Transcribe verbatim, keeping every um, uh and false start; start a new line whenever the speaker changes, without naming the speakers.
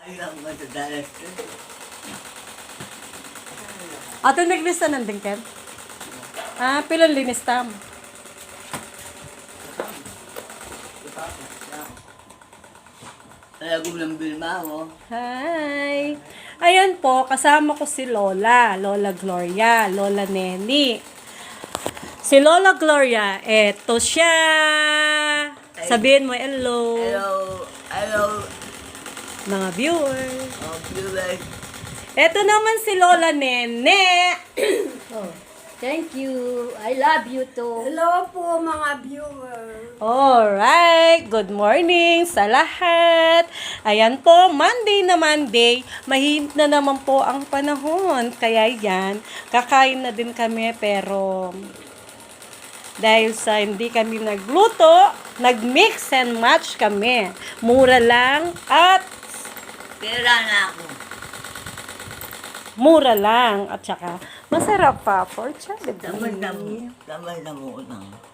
Ayaw mo sa dalas.
Ato naglista ng dingken? Ah, pilon linis tam.
Kaya gulang bilma mo.
Hi! Ayan po, kasama ko si Lola. Lola Gloria, Lola Neni. Si Lola Gloria, eto siya. Sabihin mo hello,
Hello. Hello.
mga viewers.
Oh, viewers.
Eto naman si Lola Nene.
Oh, thank you. I love you too.
Hello po mga viewers.
Alright, good morning sa lahat. Ayan po, Monday na Monday, mahinit na naman po ang panahon. Kaya yan, kakain na din kami pero dahil sa hindi kami nagluto, nag-mix and match kami. Mura lang at
Pera na ako.
mura lang at saka masarap pa for
Tamad na mo.
Jollibee.
Tamad na mo utang.